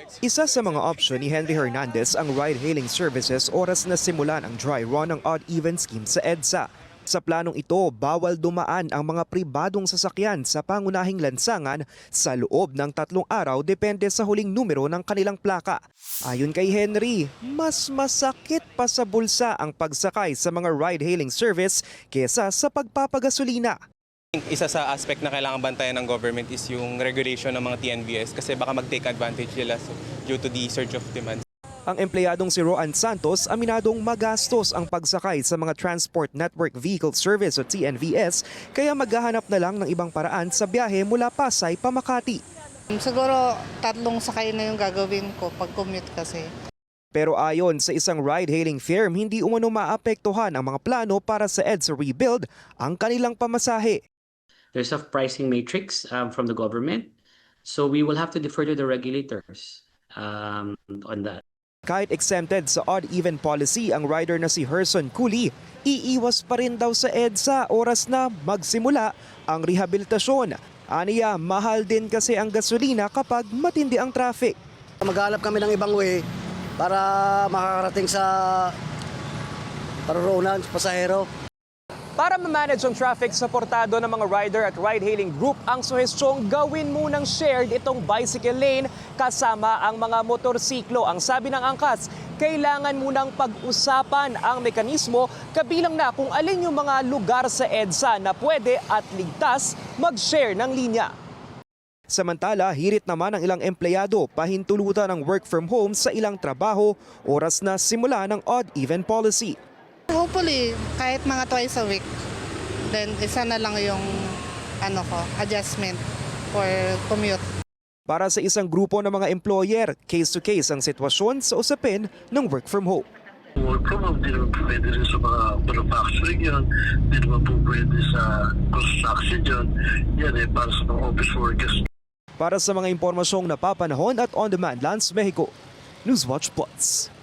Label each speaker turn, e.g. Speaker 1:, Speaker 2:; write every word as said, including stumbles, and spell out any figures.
Speaker 1: Isa sa mga option ni Henry Hernandez ang ride-hailing services oras na simulan ang dry run ng odd-even scheme sa EDSA. Sa planong ito, bawal dumaan ang mga pribadong sasakyan sa pangunahing lansangan sa loob ng tatlong araw depende sa huling numero ng kanilang plaka. Ayon kay Henry, mas masakit pa sa bulsa ang pagsakay sa mga ride-hailing service kesa sa pagpapagasolina.
Speaker 2: Isa sa aspect na kailangan bantayan ng government is yung regulation ng mga T N V S kasi baka mag-take advantage nila due to the surge of demand.
Speaker 1: Ang empleyadong si Roan Santos aminadong magastos ang pagsakay sa mga Transport Network Vehicle Service o T N V S kaya maghahanap na lang ng ibang paraan sa biyahe mula Pasay pa Makati.
Speaker 3: Siguro tatlong sakay na yung gagawin ko pag commute kasi.
Speaker 1: Pero ayon sa isang ride-hailing firm, hindi umano maapektuhan ang mga plano para sa EDSA rebuild ang kanilang pamasahe.
Speaker 4: There's a pricing matrix um, from the government, so we will have to defer to the regulators um, on that.
Speaker 1: Kahit exempted sa odd-even policy ang rider na si Herson Cooley, iiwas pa rin daw sa EDSA oras na magsimula ang rehabilitasyon. Aniya, mahal din kasi ang gasolina kapag matindi ang traffic.
Speaker 5: Maghanap kami ng ibang way para makakarating sa paroroonan sa pasahero.
Speaker 1: Para ma-manage ang traffic sa portado ng mga rider at ride-hailing group, ang suhestyong gawin munang shared itong bicycle lane kasama ang mga motorsiklo. Ang sabi ng angkas, kailangan munang pag-usapan ang mekanismo kabilang na kung alin yung mga lugar sa EDSA na pwede at ligtas mag-share ng linya. Samantala, hirit naman ang ilang empleyado pahintulutan ng work from home sa ilang trabaho oras na simula ng odd-even policy.
Speaker 3: Hopefully, kahit mga twice a week, then isa na lang yung ano ko, adjustment for commute.
Speaker 1: Para sa isang grupo ng mga employer, case-to-case ang sitwasyon sa usapin ng work from home.
Speaker 6: Work from home, di naman po pwede rin sa mga manufacturing yun, di naman po pwede sa construction yun, yan eh, para sa mga office workers.
Speaker 1: Para sa mga impormasyong napapanahon at on-demand, Lance Mexico, Newswatch Plus.